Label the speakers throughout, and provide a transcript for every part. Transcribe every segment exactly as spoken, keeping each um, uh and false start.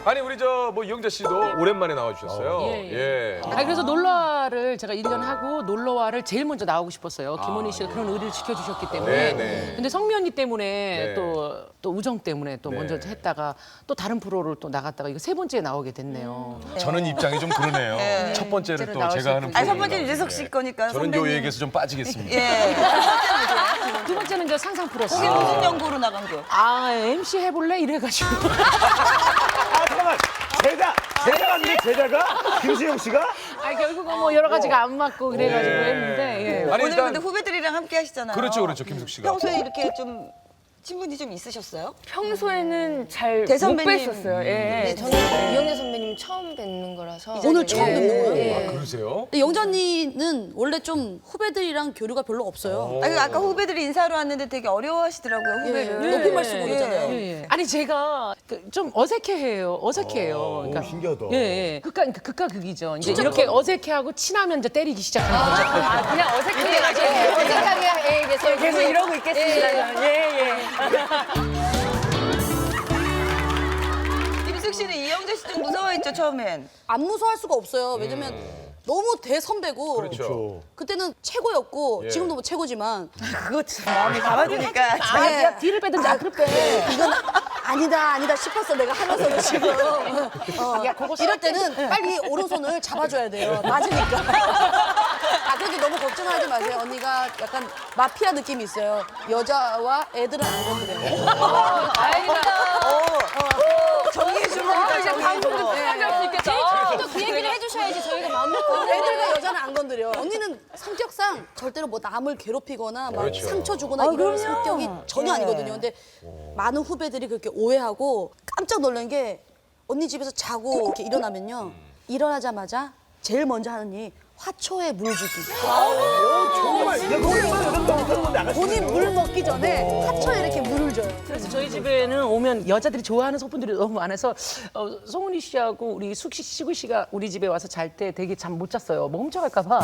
Speaker 1: 아니 우리 저 뭐 이영자 씨도 오랜만에 나와주셨어요.
Speaker 2: 예,
Speaker 1: 예.
Speaker 2: 아, 그래서 놀러와를 제가 일 년 하고 놀러와를 제일 먼저 나오고 싶었어요. 김원희 씨가 그런 의리를 지켜주셨기 때문에.
Speaker 1: 네, 네.
Speaker 2: 근데 성미 언니 때문에
Speaker 1: 네.
Speaker 2: 또, 또 우정 때문에 또
Speaker 1: 네.
Speaker 2: 먼저 했다가 또 다른 프로를 또 나갔다가 이거 세 번째에 나오게 됐네요.
Speaker 1: 저는 입장이 좀 그러네요. 첫 번째를
Speaker 2: 번째로
Speaker 1: 또
Speaker 2: 나올
Speaker 1: 제가
Speaker 2: 수
Speaker 1: 하는
Speaker 2: 있군요.
Speaker 3: 아니, 첫 번째는
Speaker 1: 프로그램이라고.
Speaker 3: 유재석 씨 거니까
Speaker 1: 저는 요
Speaker 3: 선배님.
Speaker 1: 얘기에서 좀 빠지겠습니다.
Speaker 3: 예.
Speaker 2: 두 번째는 이제 상상 프로스.
Speaker 3: 거기 무슨 연구로 나간 거?
Speaker 2: 아, 엠씨 해볼래? 이래가지고.
Speaker 4: 아 잠깐만 제자 제자가 아닌데 제자가 김수영 씨가
Speaker 2: 아, 결국은 뭐 여러 가지가 안 맞고 그래가지고
Speaker 1: 네.
Speaker 2: 했는데. 예.
Speaker 1: 아니
Speaker 3: 오늘
Speaker 1: 일단
Speaker 3: 근데 후배들이랑 함께 하시잖아요.
Speaker 1: 그렇죠, 그렇죠, 김숙 씨가.
Speaker 3: 평소에 이렇게 좀 친분이 좀 있으셨어요?
Speaker 5: 평소에는 잘 못
Speaker 3: 대선배님.
Speaker 5: 뵀었어요. 예.
Speaker 6: 네, 저는 이영애 선배님 처음 뵙는 거라서
Speaker 7: 오늘 처음 뵙는 거예요?
Speaker 6: 예.
Speaker 1: 아, 그러세요?
Speaker 7: 근데 영자 언니는 원래 좀 후배들이랑 교류가 별로 없어요.
Speaker 3: 아니, 아까 후배들이 인사하러 왔는데 되게 어려워하시더라고요, 후배를.
Speaker 7: 예. 높임말 쓰고 그러잖아요.
Speaker 2: 예, 예. 아니 제가 그 좀 어색해해요. 어색해해요. 그러니까
Speaker 4: 신기하다.
Speaker 2: 예, 예. 극과 그러니까 극과 극이죠. 이제 이렇게 어색해하고 친하면 이제 때리기 시작하는 거죠.
Speaker 5: 아, 그냥 어색해가지고
Speaker 6: 예, 어색하게 예, 계속
Speaker 5: 계속 이러고 있겠습니다. 예, 예.
Speaker 3: 김숙 씨는 이영재 씨 좀 무서워했죠, 처음엔?
Speaker 7: 안 무서워할 수가 없어요. 왜냐면 너무 대선배고
Speaker 1: 그렇죠.
Speaker 7: 그때는 최고였고
Speaker 1: 예.
Speaker 7: 지금도 뭐 최고지만
Speaker 3: 그거 참 마음이 가봐주니까.
Speaker 2: 아,
Speaker 7: 예.
Speaker 2: 야, 뒤를 빼든지 앞을 빼.
Speaker 7: 이건 아니다 아니다 싶었어 내가 하면서도 지금 어,
Speaker 2: 야, 그거
Speaker 7: 이럴 때는 빨리 오른손을 잡아줘야 돼요. 맞으니까. 아 그래도 너무 걱정하지 마세요. 언니가 약간 마피아 느낌이 있어요. 여자와 애들은 안 건드려요.
Speaker 3: 정리해주니까 정리해주고.
Speaker 5: 할수 있겠다.
Speaker 6: 또 그 얘기를 해주셔야지 저희가 마음 먹고
Speaker 7: 애들과 여자는 안 건드려. 언니는 성격상 절대로 뭐 남을 괴롭히거나 막
Speaker 1: 그렇죠.
Speaker 7: 상처 주거나 이런 성격이 전혀 아니거든요. 근데 많은 후배들이 그렇게 오해하고 깜짝 놀란 게 언니 집에서 자고 이렇게 일어나면요. 일어나자마자 제일 먼저 하는 일이 화초에 물 주기.
Speaker 4: 정말 이게 거기서
Speaker 7: 본인 물 먹기 전에 화초에 이렇게 물을 줘요.
Speaker 2: 그래서 저희 집에는 오면 여자들이 좋아하는 소품들이 너무 많아서 어, 송은이 씨하고 우리 숙씨, 시구 씨가 우리 집에 와서 잘 때 되게 잠 못 잤어요. 뭐 훔쳐갈까 봐.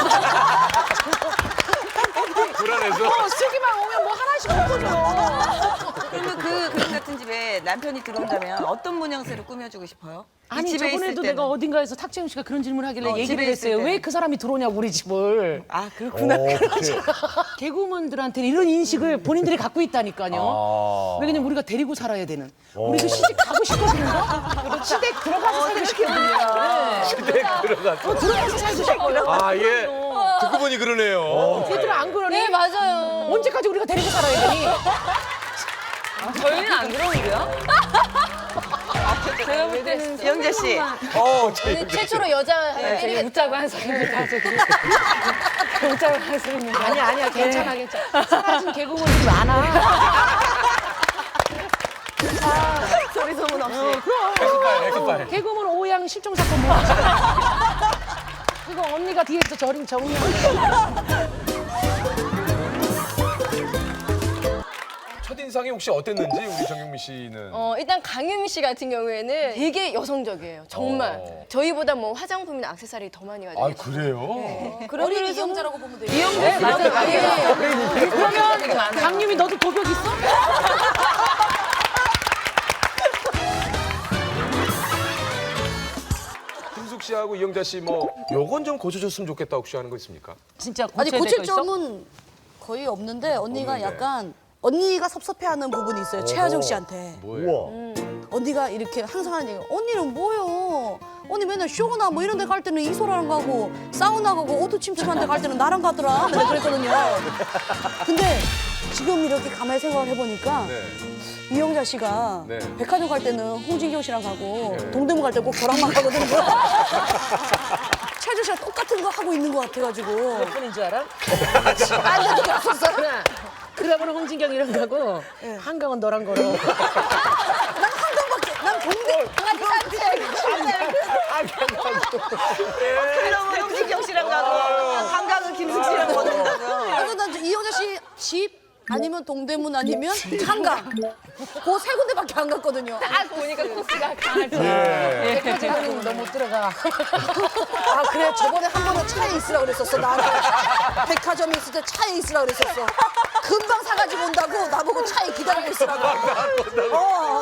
Speaker 1: 불안해서.
Speaker 2: 어, 슬기만 오면 뭐 하나씩 훔쳐줘.
Speaker 3: 그러면 그 그림 같은 집에 남편이 들어온다면 어떤 모양새로 꾸며주고 싶어요? 이
Speaker 2: 아니
Speaker 3: 집에 있을
Speaker 2: 저번에도
Speaker 3: 때는.
Speaker 2: 내가 어딘가에서 탁재훈 씨가 그런 질문을 하길래
Speaker 3: 어,
Speaker 2: 얘기를
Speaker 3: 집에 있을
Speaker 2: 했어요.
Speaker 3: 때는.
Speaker 2: 왜 그 사람이 들어오냐고 우리 집을.
Speaker 3: 아, 그렇구나.
Speaker 2: 개그우먼들한테는 이런 인식을 본인들이 갖고 있다니까요. 왜냐면 우리가 데리고 살아야 되는. 우리도 시집 가고 싶고 그런가? 시댁 들어가서 살고 싶거든요.
Speaker 1: 시댁 들어갔어.
Speaker 2: 어, 들어가서 살고 싶어요.
Speaker 1: 아, 예. 듣고 보니 그러네요.
Speaker 2: 얘들은 안 그러니?
Speaker 6: 네 맞아요.
Speaker 2: 언제까지 우리가 데리고 살아야 되니?
Speaker 5: 저희는 안 그러는데요? 제가 볼 때는
Speaker 3: 이영재 씨.
Speaker 1: 어,
Speaker 6: 오늘 최초로 여자
Speaker 5: 되게
Speaker 6: 때리겠다.
Speaker 5: 웃자고 한 소리입니다. 웃자고 한 소리입니다.
Speaker 2: 아니야 아니야 괜찮아 괜찮아. 사라진 개그우먼들이 많아.
Speaker 3: 소리 소문 없이.
Speaker 1: 에크파일, 에크파일.
Speaker 2: 개그우먼 오양 실종 사건 뭐? 그거 언니가 뒤에서 저림 정리하는.
Speaker 1: 첫인상이 혹시 어땠는지 우리 정경미 씨는.
Speaker 6: 어, 일단 강유미 씨 같은 경우에는 되게 여성적이에요. 정말.
Speaker 1: 어.
Speaker 6: 저희보다 뭐 화장품이나 액세서리 더 많이 가지고.
Speaker 1: 아, 그래요?
Speaker 7: 어린 이영자라고 보면 돼요.
Speaker 2: 네, 맞아요. 맞아요. 그러면 강유미 너도 도벽 있어?
Speaker 1: 김숙 씨하고 이영자 씨 뭐 요건 좀 고쳐줬으면 좋겠다 혹시 하는 거 있습니까?
Speaker 2: 진짜
Speaker 7: 아니
Speaker 2: 고쳐야
Speaker 7: 고칠
Speaker 2: 될거 있어?
Speaker 7: 점은 거의 없는데 언니가
Speaker 1: 없는데.
Speaker 7: 약간 언니가 섭섭해하는 부분이 있어요. 최하정 씨한테.
Speaker 1: 뭐예요?
Speaker 4: 우와.
Speaker 7: 언니가 이렇게 항상 하는 얘기 언니는 뭐요? 언니 맨날 쇼나 뭐 이런 데 갈 때는 이소라랑 가고 사우나 가고 오토 침투하는 데 갈 때는 나랑 가더라. 뭐 그랬거든요. 근데 지금 이렇게 가만히 생각을 해보니까
Speaker 1: 네.
Speaker 7: 이영자 씨가
Speaker 1: 네.
Speaker 7: 백화점 갈 때는 홍진경 씨랑 가고
Speaker 1: 네.
Speaker 7: 동대문 갈 때 꼭 저랑만 가거든요. 최주 씨가 똑같은 거 하고 있는 것 같아가지고.
Speaker 2: 몇 분인 줄 알아?
Speaker 7: 안 돼도 없었어.
Speaker 2: 하나. 그러고는 홍진경이랑 가고 한강은 너랑 걸어.
Speaker 7: 난 한강밖에, 난 동대.
Speaker 3: 그러면 홍진경 씨랑 가고 한강은 김숙 씨랑 걷는다고요.
Speaker 7: 그래서 난 이영자 씨 집 아니면 동대문 아니면 한강. 그 세 군데밖에 안 갔거든요.
Speaker 6: 딱 보니까 코스가 강하죠.
Speaker 1: 예.
Speaker 2: 백화점은 너 못 들어가.
Speaker 7: 아 그래 저번에 한 번은 차에 있으라 그랬었어 나한테. 백화점에 있을 때 차에 있으라 그랬었어. 금방 사가지고 온다고 나보고 차에 기다리고 있으라고. 어, 어.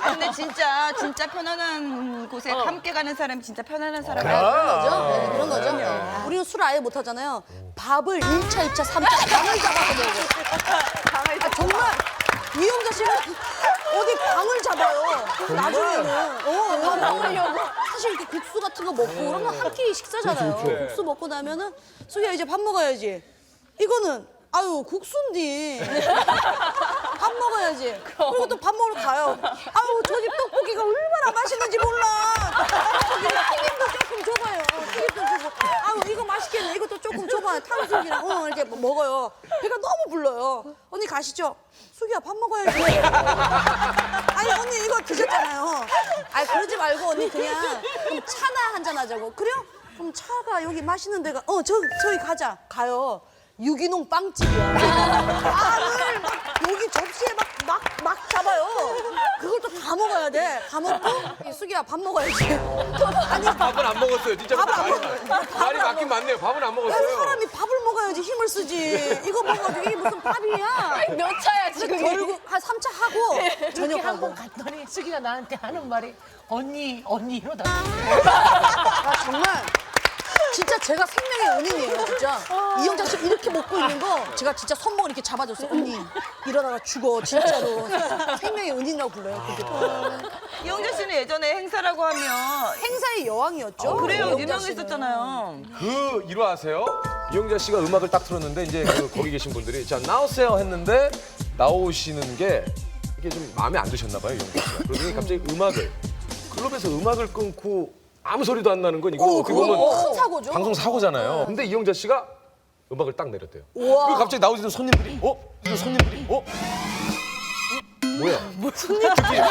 Speaker 3: 아, 근데 진짜 진짜 편안한 곳에 함께 가는 사람이 진짜 편안한 사람이야.
Speaker 7: 그런 거죠. 네, 그런 거죠. 우리는 술 아예 못 하잖아요. 밥을 일 차, 이 차, 삼 차 방을 잡아서 먹어. 아, 정말 이영자 씨는 어디 방을 잡아요. 그래서 나중에는 어, 밥 먹으려고 사실 이렇게 국수 같은 거 먹고 그러면 한 끼 식사잖아요. 국수 먹고 나면은 수기야 이제 밥 먹어야지. 이거는 아유 국수인데 밥 먹어야지. 그리고 또 밥 먹으러 가요. 아유 저 집 떡볶이가 얼마나 맛있는지 몰라. 떡볶이는 튀김도 조금 줘봐요. 튀김도 주고. 아유 이거 맛있겠네. 이것도 조금 줘봐요. 탕수육이랑 어, 이렇게 먹어요. 배가 너무 불러요. 언니 가시죠. 수기야 밥 먹어야지. 아니 언니 이거 드셨잖아요. 아니 그러지 말고 언니 그냥 그럼 차나 한잔 하자고. 그래요? 그럼 차가 여기 맛있는 데가 어 저 저기 가자. 가요. 유기농 빵집이야. 빵을 막 여기 접시에 막 막 막 잡아요. 그걸 또 다 먹어야 돼. 다 먹고 이 수기야 밥 먹어야지. 아니
Speaker 1: 밥은 안 먹었어요. 진짜
Speaker 7: 밥을 안
Speaker 1: 말이,
Speaker 7: 먹어요.
Speaker 1: 말이 맞긴 맞네요. 밥은 안 먹었어요.
Speaker 7: 사람이 밥을 먹어야지 힘을 쓰지. 이거 먹어가지고 이게 무슨 밥이야.
Speaker 6: 몇 차야 지금?
Speaker 7: 결국 한 삼 차 하고
Speaker 2: 저녁
Speaker 7: 저녁
Speaker 2: 한 번
Speaker 7: 하고.
Speaker 2: 갔더니 수기가 나한테 하는 말이 언니 언니 이러다.
Speaker 7: 아 정말 진짜 제가 생명의 은인이에요 진짜. 이영자 씨 이렇게 먹고 있는 거 제가 진짜 손목을 이렇게 잡아줬어요. 언니 이러다가 죽어 진짜로. 생명의 은인이라고 불러요. 그게.
Speaker 3: 이영자 씨는 예전에 행사라고 하면
Speaker 7: 행사의 여왕이었죠.
Speaker 3: 그래요
Speaker 7: 이영자 씨는.
Speaker 3: 유명했었잖아요.
Speaker 1: 그 일화하세요? 이영자 씨가 음악을 딱 틀었는데 이제 그 거기 계신 분들이 자 나오세요 했는데 나오시는 게 이게 좀 마음에 안 드셨나 봐요 이영자 씨가. 그러더니 갑자기 음악을 클럽에서 음악을 끊고 아무 소리도 안 나는 건 이거
Speaker 7: 어,
Speaker 1: 어떻게
Speaker 7: 그거
Speaker 1: 보면
Speaker 7: 큰 사고죠.
Speaker 1: 방송 사고잖아요. 근데 이영자 씨가 음악을 딱 내렸대요.
Speaker 7: 우와.
Speaker 1: 그리고 갑자기 나오시는 손님들이 어? 이 손님들이 어? 음, 뭐야? 뭐 손님?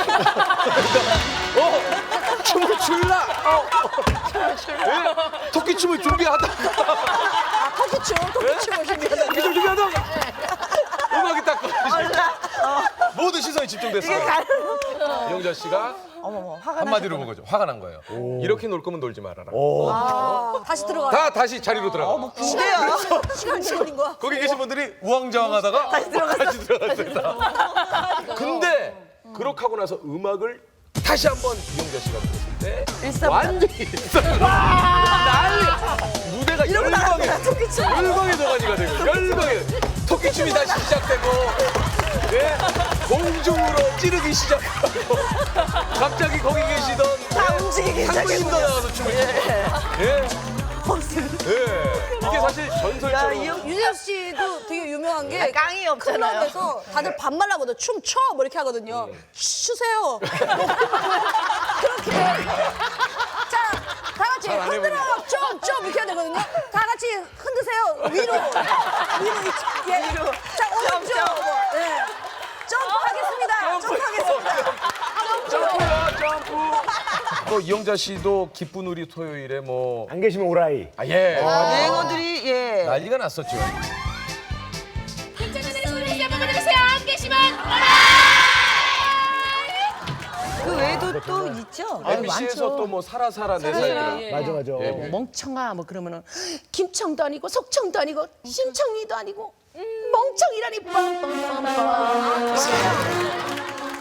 Speaker 1: 어? 춤을 출라? 어? 예? 토끼 춤을 준비하다.
Speaker 7: 아 토끼춤 토끼춤을 준비하다.
Speaker 1: 토끼 춤 준비하다. 음악이 딱 모든 시선이 집중됐어요. 이영자 씨가 한마디로 본 거죠. 화가 난 거예요. 이렇게 놀 거면 놀지 말아라.
Speaker 7: 아, 다시 들어가.
Speaker 1: 다 다시 자리로 들어가.
Speaker 7: 시간 시간 걸린 거야.
Speaker 1: 거기 계신 분들이 우왕좌왕하다가 다시 들어갔어요. 다시 들어갔어요. 근데 그렇게 하고 나서 음악을 다시 한번 이영자 씨가 들었을 때 완전히 일사불란. 난리. 무대가 열광에 열광의 도가니가 되고 열광의 토끼춤이 다시 시작되고 예? 공중으로 찌르기 시작하고 갑자기 거기 계시던 다 움직이기 상무님도 나와서 춤을 추고 예? 예. 이게 사실 전설처럼
Speaker 7: 유재석 씨도 되게 유명한 게
Speaker 3: 깡이 없잖아요.
Speaker 7: 클럽에서 다들 반말하거든. 춤춰 뭐 이렇게 하거든요. 추세요. 그렇게 자, 다 같이
Speaker 1: 잘안
Speaker 7: 흔들어 좀좀 이렇게 해야 되거든요. 다 같이 흔드세요. 위로 위로 이- 예. 자 오른쪽 예. 점프하겠습니다. 점프하겠습니다.
Speaker 1: 점프요 점프. 또 이영자 씨도 기쁜 우리 토요일에 뭐
Speaker 4: 안 계시면 오라이.
Speaker 1: 아, 예.
Speaker 3: 유행어들이 예.
Speaker 1: 난리가 났었죠.
Speaker 3: 그 외에도 또 있죠.
Speaker 1: 엠비씨에서
Speaker 2: 많죠.
Speaker 1: 또 뭐 살아 살아 내 살더라.
Speaker 4: 맞아 맞아.
Speaker 1: 예.
Speaker 2: 뭐 멍청아 뭐 그러면은 김청도 아니고 석청도 아니고 심청이도 아니고 멍청이라니 빰빰빰빰.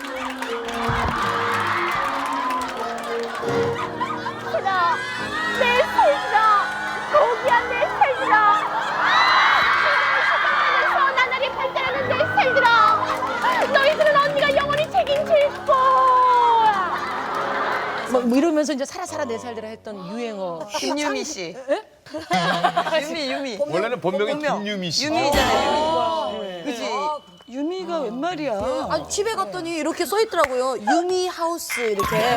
Speaker 8: 내 살들아 거기야 내 살들아 시간하면서 나날이 발달하는 내 살들아 너희들은 언니가 영원히 책임질 거야.
Speaker 2: 뭐, 뭐 이러면서 이제 살아 살아 내 살들아 했던 유행어.
Speaker 3: 김유미 씨. 유미 유미.
Speaker 1: 원래는 본명이
Speaker 3: 본명.
Speaker 1: 김유미 씨.
Speaker 3: 유미잖아요. 유미. 그지. 유미가 웬 말이야?
Speaker 7: 아 집에 갔더니 이렇게 써 있더라고요. 유미 하우스 이렇게.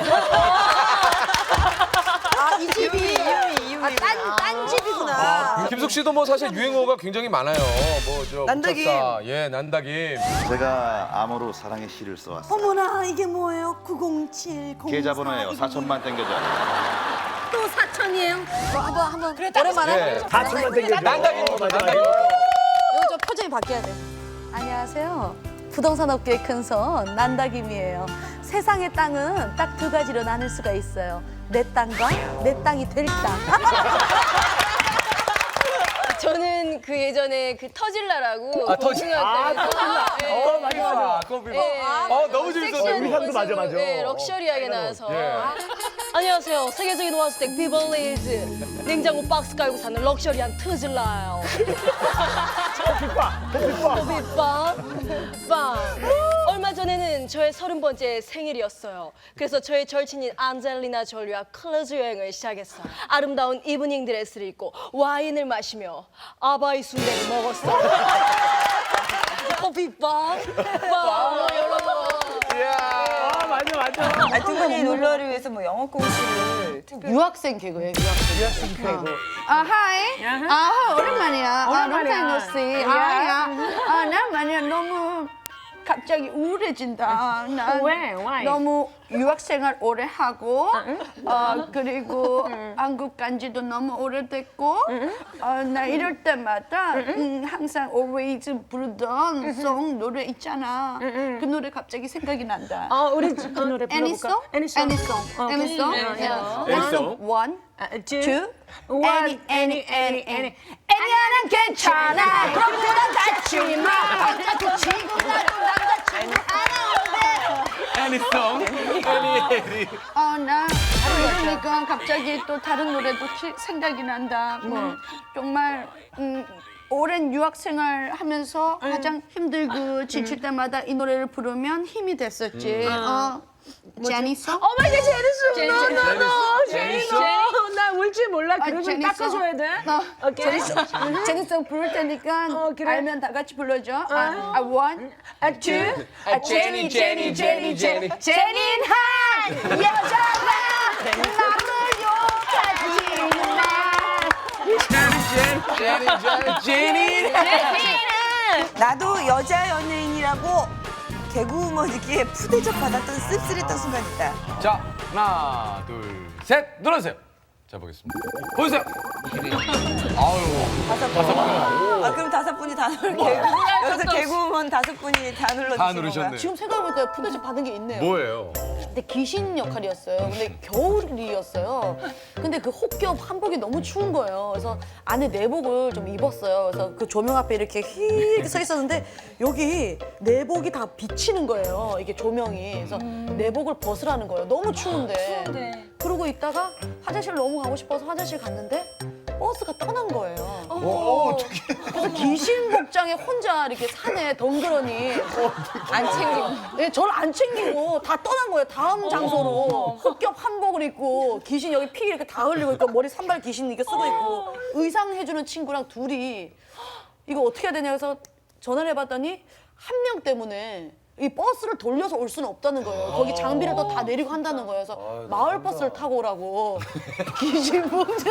Speaker 7: 아 이 집이
Speaker 3: 유미 유미.
Speaker 7: 아딴 딴 집이구나.
Speaker 1: 김숙 씨도 뭐 사실 유행어가 굉장히 많아요. 뭐저
Speaker 3: 난다김.
Speaker 1: 예, 난다김.
Speaker 9: 제가 암호로 사랑의 시를 써왔어요.
Speaker 7: 어머나 이게 뭐예요? 구공칠 공사.
Speaker 9: 계좌번호예요. 사천만 땡겨줘.
Speaker 7: 또 사천이에요. 뭐 한번 한번 오랜만에.
Speaker 1: 예.
Speaker 4: 사천만 땡겨줘.
Speaker 1: 난다김.
Speaker 4: 어, 맞아,
Speaker 1: 난다김.
Speaker 4: 맞아.
Speaker 7: 이거 좀 표정이 바뀌어야 돼. 안녕하세요. 부동산 업계의 큰손 난다김이에요. 세상의 땅은 딱 두 가지로 나눌 수가 있어요. 내 땅과 내 땅이 될 땅.
Speaker 6: 저는 저는 그 예전에 그 터질라라고
Speaker 1: 아, 터질-
Speaker 6: 아,
Speaker 1: 어, 맞아. 커피. 어, 너무 재밌었어요.
Speaker 4: 우리 향도 맞아, 맞아.
Speaker 6: 네, 럭셔리하게 나와서.
Speaker 1: 예.
Speaker 6: 안녕하세요. 세계적인 원스택 비벌리즈 냉장고 박스 깔고 사는 럭셔리한 터질라요.
Speaker 4: 커피빵, 커피빵.
Speaker 6: 커피빵. 빵. 얼마 전에는 저의 서른 번째 생일이었어요. 그래서 저의 절친인 안젤리나 졸리와 클루즈 여행을 시작했어요. 아름다운 이브닝 드레스를 입고 와인을 마시며 아바이 순대를 먹었어요. 커피빵. 빵.
Speaker 4: 아, 맞아, 맞아.
Speaker 3: 아, 두 분이 놀러를 위해서 뭐 영어 공시를 특별히
Speaker 7: 유학생 개그예요, 유학생.
Speaker 2: 유학생 개그.
Speaker 7: 아, 하이. 아, 오랜만이야. 아, long 노씨. 아, 야. 아, 난 만약 너무 갑자기 우울해진다. 난
Speaker 2: 왜? Why?
Speaker 7: 너무 유학생활 오래 하고, 어, 그리고 한국 간 지도 너무 오래됐고, 어, 나 이럴 때마다 음, 항상 always 부르던 송 노래 있잖아. 그 노래 갑자기 생각이 난다.
Speaker 2: 어, 우리 그 노래
Speaker 7: Any
Speaker 2: 불러볼까?
Speaker 7: song?
Speaker 2: Any song.
Speaker 7: Any song? Any song? Yeah.
Speaker 4: Any song?
Speaker 7: One,
Speaker 2: 아, two,
Speaker 7: two,
Speaker 2: one,
Speaker 7: any, any, any, any. 애니야는 괜찮아. 그렇구나 다치지 마. 어차피 지금 나도 남자친구 안 오는데.
Speaker 1: 애니송. 애니, 애니.
Speaker 7: 어, 나 이러니까 갑자기 또 다른 노래도 키- 생각이 난다. 뭐 정말 음, 오랜 유학 생활 하면서 가장 힘들고 지칠 때마다 이 노래를 부르면 힘이 됐었지. 어, 제니송?
Speaker 2: 어 마이 갓, 제니스. 너, 너, 너.
Speaker 1: 제니스?
Speaker 2: 제니스. 나 울 줄 몰라.
Speaker 7: 아,
Speaker 2: 그러면
Speaker 7: 제니송.
Speaker 2: 닦아줘야 돼.
Speaker 7: 어,
Speaker 2: 오케이.
Speaker 7: 제니송. 제니송 부를 테니까
Speaker 2: 어, 그래.
Speaker 7: 알면 다 같이 불러줘. 아, 아, one, 아, two, 아, 제니, 제니, 제니, 제니. 제니한 여자가 나를 욕하지는 마.
Speaker 1: 제니, 제니, 제니.
Speaker 3: 나도 여자 연예인이라고 개그우먼에게 푸대접 받았던 씁쓸했던 순간 있다.
Speaker 1: 자, 하나, 둘, 셋. 눌러주세요. 자, 보겠습니다. 보여주세요. 아유.
Speaker 3: 다섯 분. 아, 그럼 다섯 분이 다 눌러. 개그, 여기서 개그우먼 다섯 분이 다 눌러주신
Speaker 1: 다
Speaker 3: 건가요?
Speaker 1: 누르셨네.
Speaker 7: 지금 생각해보니까 푸대접 받은 게 있네요.
Speaker 1: 뭐예요?
Speaker 7: 근데 귀신 역할이었어요. 근데 겨울이었어요. 근데 그 혹겹 한복이 너무 추운 거예요. 그래서 안에 내복을 좀 입었어요. 그래서 그 조명 앞에 이렇게 휘 이렇게 서 있었는데 여기 내복이 다 비치는 거예요. 이게 조명이. 그래서 내복을 벗으라는 거예요. 너무 추운데. 그러고 있다가 화장실 너무 가고 싶어서 화장실 갔는데 버스가 떠난 거예요.
Speaker 1: 어, 어떻게?
Speaker 7: 그래서 귀신 복장에 혼자 이렇게 산에 덩그러니 안 챙기고, 네, 저를 안 챙기고 다 떠난 거예요. 다음 장소로 혹겹 한복을 입고 귀신 여기 피 이렇게 다 흘리고 있고 머리 산발 귀신 이렇게 쓰고 있고 의상 해주는 친구랑 둘이 이거 어떻게 해야 되냐 해서 전화를 해봤더니 한 명 때문에 이 버스를 돌려서 올 수는 없다는 거예요. 거기 장비를 또 다 내리고 한다는 거예요. 그래서 마을 버스를 타고 오라고 귀신 복장.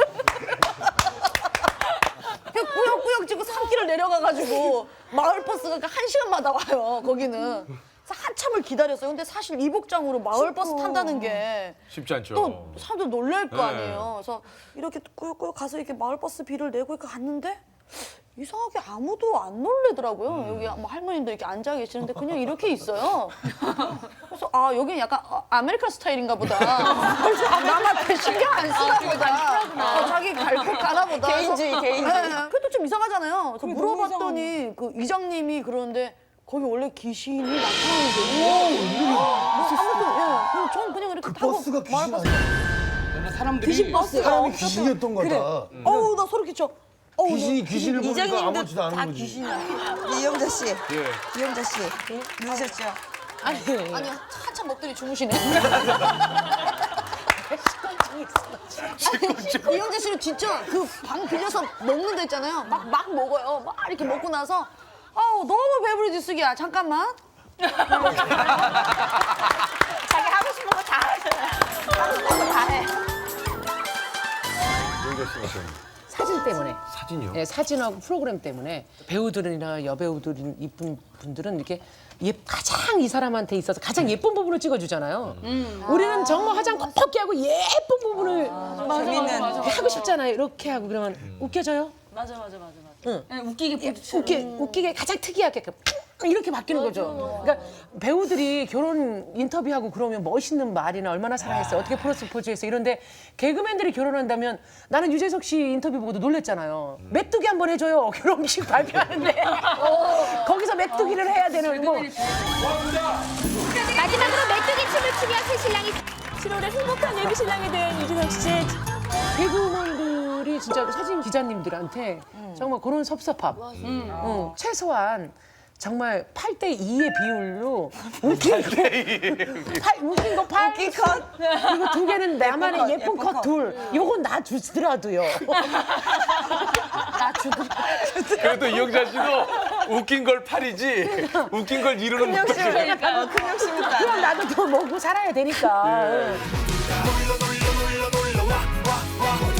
Speaker 7: 그냥 꾸역꾸역 지고 산길을 내려가가지고 마을 버스가 한 시간마다 와요. 거기는. 그래서 한참을 기다렸어요. 근데 사실 이 복장으로 마을 버스 탄다는 게
Speaker 1: 쉽지 않죠.
Speaker 7: 또 사람들 놀랄 거
Speaker 1: 네.
Speaker 7: 아니에요. 그래서 이렇게 꾸역꾸역 가서 이렇게 마을 버스 비를 내고 이렇게 갔는데 이상하게 아무도 안 놀래더라고요.
Speaker 1: 음.
Speaker 7: 여기 뭐 할머님들 이렇게 앉아 계시는데 그냥 이렇게 있어요. 그래서 아 여기 약간 어, 아메리칸 스타일인가 보다. 그래서 아, 남한테 신경 안 쓰나 보다. 어, 자기 갈 곳 가나 보다.
Speaker 3: 개인주의, 개인주의.
Speaker 7: 네, 그것도 좀 이상하잖아요. 그래서 물어봤더니 그 이장님이 그러는데 거기 원래 귀신이 나타나는데. 뭐 아무도 예. 그럼 전 그냥 이렇게 타고
Speaker 10: 버스가
Speaker 7: 마을
Speaker 10: 귀신
Speaker 7: 버스.
Speaker 10: 아니야?
Speaker 1: 사람들이
Speaker 7: 귀신 버스.
Speaker 10: 사람이 귀신이었던 거다.
Speaker 7: 어우 나 소름 끼쳐. 어우,
Speaker 10: 귀신이 귀신을 보니까
Speaker 3: 이장님도
Speaker 10: 아무렇지도 않은
Speaker 3: 다
Speaker 10: 거지.
Speaker 3: 귀신이야. 이영자 씨,
Speaker 1: 예.
Speaker 3: 이영자 씨, 누르셨죠?
Speaker 7: 아니 한참 먹더니 주무시네. 아니, 이영재 씨는 진짜 그 방 빌려서 먹는 데 있잖아요. 막, 막 먹어요. 막 이렇게 먹고 나서 아우 너무 배부르지 쓰기야. 잠깐만. 자기 하고 싶은 거 다 하잖아요. 하고 싶은 거 다 해.
Speaker 1: 용자 씨가 좀
Speaker 2: 사진 때문에.
Speaker 1: 사진이요?
Speaker 2: 예, 사진하고 프로그램 때문에 배우들이나 여배우들 이쁜 분들은 이렇게 예, 가장 이 사람한테 있어서 가장 예쁜 부분을 찍어주잖아요. 우리는 정말 화장 퍽퍽히 하고 예쁜 부분을
Speaker 3: 재밌는.
Speaker 2: 하고 싶잖아요. 이렇게 하고 그러면 웃겨져요?
Speaker 5: 맞아 맞아 맞아 맞아.
Speaker 2: 응.
Speaker 5: 네, 웃기게
Speaker 2: 예, 웃기, 웃기게 가장 특이하게 그 이렇게 바뀌는 거죠. 그러니까 배우들이 결혼 인터뷰하고 그러면 멋있는 말이나 얼마나 사랑했어요, 어떻게 프로포즈했어 이런데 개그맨들이 결혼한다면 나는 유재석 씨 인터뷰 보고도 놀랬잖아요. 메뚜기 한번 해줘요. 결혼식 발표하는데 거기서 메뚜기를 해야 되는 뭐.
Speaker 8: 마지막으로 메뚜기 춤을 추며 새 신랑이 칠월에 행복한 예비 신랑이 된 유재석 씨.
Speaker 2: 개그맨들이 진짜 사진 기자님들한테 정말 그런 섭섭함. 응. 최소한 정말 팔 대 이의 비율로 웃긴 거, 팔, 웃긴 거 팔, 웃긴 컷, 그리고 두 개는 나만의 예쁜, 예쁜 컷, 컷 둘. 요건 나 주더라도요. 나 주더라도.
Speaker 1: 그래도 이영자 씨도 웃긴 걸 팔이지 웃긴 걸 이루는 못하죠.
Speaker 3: 그러니까 큰 욕심이다.
Speaker 2: 그럼 나도 더 먹고 살아야 되니까.
Speaker 1: 예.